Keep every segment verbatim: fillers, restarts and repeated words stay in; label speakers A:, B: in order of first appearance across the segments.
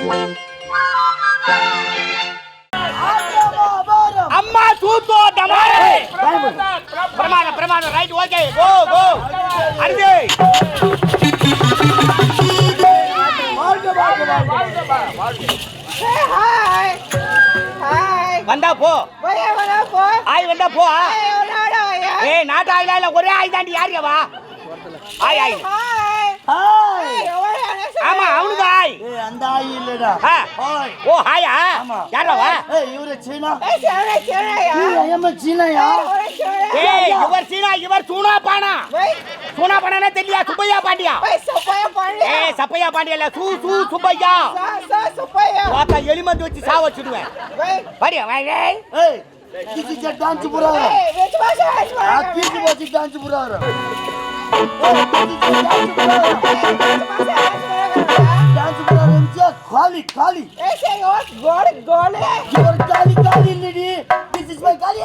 A: அம்மா தூத்தோ டமாரே பிரமாணம் பிரமாணம் ரைட் ஓகே கோ கோ அருகே
B: ஹாய் ஹாய்
A: வந்தா போ
B: போய் வந்தா போ
A: ஆய் வந்தா போ
B: ஏய்
A: நாட்டா இல்ல ஒரே ஆய் தாண்டி யாரியா வா ஆய் ஆய்
B: ஹாய்
C: ஹாய்
A: ஆமா அவனுக்கு ஆய்
C: ஏய் அந்த ஆய் இல்லடா
A: ஹாய் ஓ ஹாயா யாரா வா
C: ஏய் இவரே சீனா
B: ஏய் சீனா சீனாயா
C: ஏய் ஏமா சீனாயா
A: ஏய் இவர் சீனா இவர் சூனா பானா சூனா பானா தெரியல சுப்பையா பாண்டியா
B: ஏய் சுப்பையா பாண்டியா
A: ஏய் சப்பையா பாண்டியா இல்ல சூ சூ சுப்பையா
B: சா சா சுப்பையா
A: வாக்கா எலிமந்து வச்சு சா வச்சிடுவேன் வாடியா வாங்க
C: ஏய் கிசி ஜ டான்ஸ் புராவ
B: ஏய் வெச்சு பாஷா
C: ஆ கிசி வச்சு டான்ஸ் புராவ டான்ஸ் புராவ காலி காலி
B: ஏய் சேயோஸ் கோல் கோல்
C: யுவர் காலி காலி இல்லடி திஸ் இஸ் மை காலி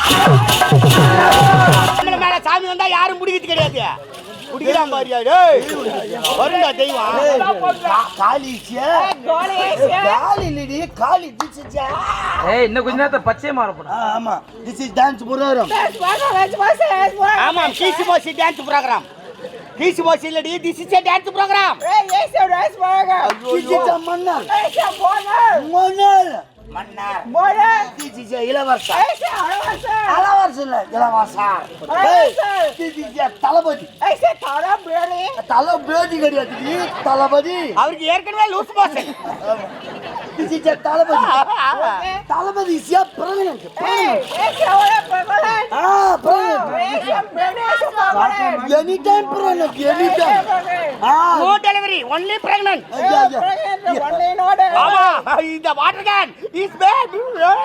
A: நம்மள மேல சாமி வந்தா யாரும் முடிக்கிட்டு கிடையாது குடிக்கலாம் பாரியா டேய் வருடா தெய்வம்
C: காலி சே
B: கோல்
C: காலி இல்லடி காலி திஸ் இஸ்
D: ஏய் இன்னும் கொஞ்ச நேரத்துல பச்சை மாற போறா
C: ஆமா திஸ் இஸ் டான்ஸ் புரோகிராம்
B: வெச்சு பாஷா
A: ஆமா கீசி போசி டான்ஸ் ப்ரோகிராம் கீசி போசி இல்லடி this is a dance program
B: ஏய் ஏய் சே ரைஸ் பர்கர்
C: திஸ் இஸ் மன்னர்
B: ஏய் சே போனர்
C: மன்னர்
A: மன்னர்
B: போனர்
C: திஸ் இஸ் இளவரசர்
B: ஏய் சே அரவசர்
C: இளவரசர் இல்ல இளவரசர்
B: அரவசர்
C: திஸ் இஸ் தளபதி
B: ஏய் சே தாரா பிரியாணி
C: தளபதி கிடையாது நீ தளபதி
A: அவருக்கு ஏற்கனவே loose portion
C: this is Thalapathy Thalapathy is president
B: ஏய் ஏய் சே ஓரே பிரகலாத்
C: ஆ பிரசிடென்ட்
B: ஏய் சே Prahlad Prahlad
C: any time president any time ஆ
A: நோ டெலிவரி ஒன்லி பிரெக்னன்ட்
C: ஐயா ஐயா
B: பிரகலாத் ஒன்லி நோட்
A: ஆமா இந்த வாட்டர் கேன் இஸ் பேட்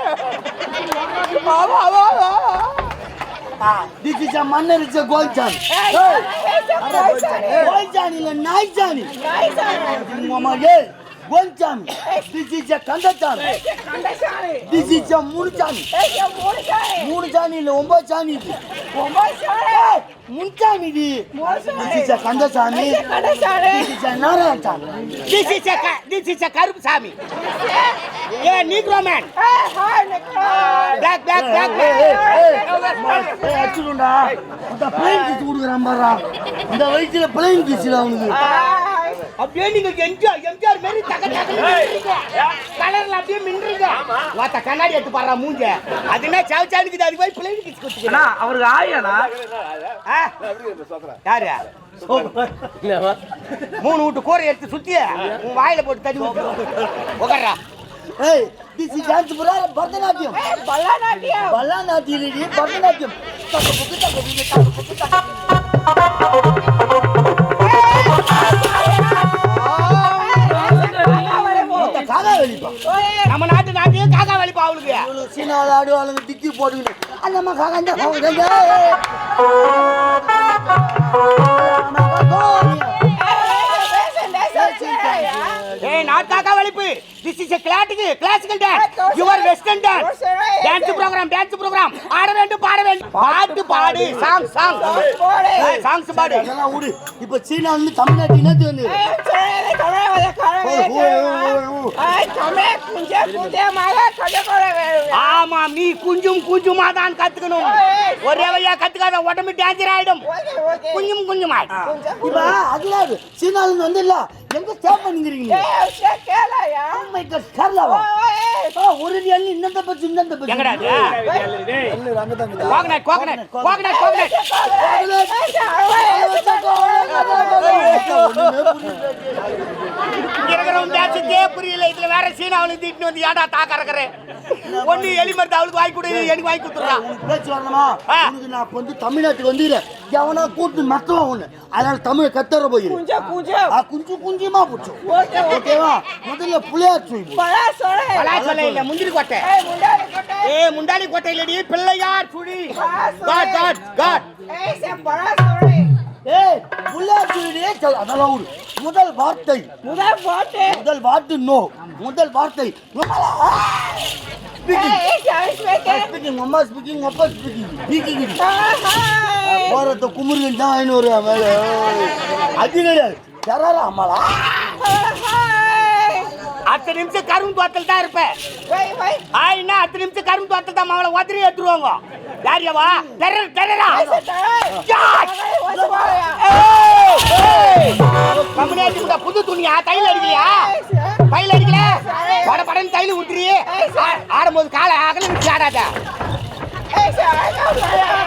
A: ஆமா ஆமா
C: திஸ் இஸ் மன்னர் இஸ் கோல்சான்
B: ஏய் ஏய் சே போய்சானி
C: கோல்சான் இல்ல நாய்சானி
B: நாய்சானி
C: மாமா ஏய் கோல்சான் திஸ் இஸ் கண்டச்சான்
B: ஏய் சே கண்டசானி
C: திஸ் இஸ் முனுச்சான்
B: ஏய் சே மூணசானி
C: மூணு சாணி இல்ல ஒன்பது சாணி இது
B: ஒம்பசானி
C: முன்சாணி இது திஸ் இஸ் கண்டசாமி
B: ஏய் சே கண்டசானி
C: this is Narayanasamy
A: this is this is கருப்பு சாமி ஏ நீக்ரோ மேன்
B: ஏய் hi nigga
A: black black black
C: ஏய் அச்சுடா இந்த பிளேன் கிஸ் குடுக்குறான் பாறா இந்த வயசுல பிளேன் கிஸ்ல அவனுக்கு
A: அப்படியே நீங்க எம்ஜிஆர் எம்ஜிஆர் மாதிரி தக தக கலர்ல அப்படியே மின்னுறீங்க வாத்த கண்ணாடி எடுத்து பாறா மூஞ்ச அதுனா சாவ் சாவுக்கு அது போய் பிளேன் கிஸ் குடுத்துங்க
D: அண்ணா அவருக்கு ஆயாண்ணா
A: யாரு மூணு வீட்டு கோரை எடுத்து சுத்தி உன் வாயில போட்டு தடி உட்கார்றா
C: ஏய் திஸ் இஸ் டான்ஸ் புரா பரதநாட்டியம்
B: ஏய் பல்லாநாட்டியம்
C: பல்லாநாட்டியம் இல்லடி பரதநாட்டியம் தக்க புக்கு தக்க புக்கு தக்க புக்கு தக்க காகா வெளிப்பா
A: நம்ம நாட்டு நாட்டு காக்கா வலிப்பா அவளுக்கு
C: இவ்வளவு சீனால ஆடுவாளுங்க டிக்கி போட்டுக்கிட்டு அந்தம்மா காகா இந்த போகுதுங்க
A: ஏய் நாட் காக்கா வலிப்பு this is a classical classical dance your western dance dance program dance program ஆட வேண்டும் பாட வேண்டும் பாட்டு பாடு சாங் சாங்
B: போடு
A: சாங்ஸ் பாடு
C: அதெல்லாம் விடு இப்ப சீனா வந்து தமிழ்நாட்டு இனத்து வந்து
B: ஏய் சரே கரே வல கரே ஏய் கமே குஞ்சே குஞ்சே மால கடே கரே
A: ஆமா நீ குஞ்சும் குஞ்சுமா தான் கத்துக்கணும் ஒரே வழியா கத்துக்காத உடம்பு டேஞ்சர் ஆயிடும்
B: ஓகே ஓகே
A: குஞ்சும் குஞ்சுமா
C: இப்ப அதுல சீனால இருந்து வந்து இல்ல எங்க ஸ்டாப் பண்ணிக்கிறீங்க
B: ஏய் சே கேலாயா
C: மை காட் கர்லாவா
B: ஏய்
C: ஒரு எண்ணி இன்னந்த பத்தி இன்னந்த பத்தி
A: எங்கடா
C: இல்ல அங்க தான்
A: கோகனட் கோகனட் கோகனட் கோகனட் இருக்கிறவன் பேசிட்டே புரியல இதுல வேற சீனா அவளுக்கு திட்டு வந்து ஏடா தாக்கறக்கற ஒண்ணு எலி மருந்து அவளுக்கு வாங்கி கொடு எனக்கு வாங்கி கொடுத்துறான்
C: பேச்சு வரணுமா உனக்கு நான் வந்து தமிழ்நாட்டுக்கு வந்து எவனா கூட்டு மத்தவன் ஒண்ணு அதனால தமிழ் கத்தற போயிரு
B: குஞ்சே குஞ்சே
C: ஆ குஞ்சு குஞ்சுமா போச்சு
B: ஓகே
C: ஓகேவா முதல்ல புளியார் சொல்லி
B: பலா சரே
A: பலா சொல்ல இல்ல முந்திரி கொட்டை
B: ஏய் முண்டாடி கொட்டை
A: ஏய் முண்டாடி கொட்டை இல்லடி பிள்ளையார் சுழி காட் காட் காட்
B: ஏய் சே பலா சரே
C: ஏய் புளியார் சொல்லியே சொல் அதெல்லாம் விடு முதல் வார்த்தை
B: முதல் பாட்டு
C: முதல் வார்த்தை நோ முதல் வார்த்தை
B: ஏய் ஏய் சாய் ஸ்பீக்கிங்
C: ஸ்பீக்கிங் அம்மா ஸ்பீக்கிங் அப்பா ஸ்பீக்கிங் ஸ்பீக்கிங்
B: ஹாய்
C: போறத குமுருங்க தான் ஐநூறு மேல அது கிடையாது தராரா அம்மாளா
B: ஹாய்
A: அத்தனை நிமிஷம் கரும்பு தோட்டத்தில் தான் இருப்பேன்
B: Wait, wait.
A: ஆயினா அத்தனை நிமிஷம் கரும்பு தோட்டத்தில் தான் அவளை உதறி எடுத்துருவாங்க யார் யாவா டெரர் டெரரா கம்பெனி புது துணியா தையல் அடிக்கலையா தையல் அடிக்கல பட படன்னு தையல் ஊத்துறியே ஆடும்போது காலை அகல வச்சு ஆடாத
B: Hey, sir, I know, sir.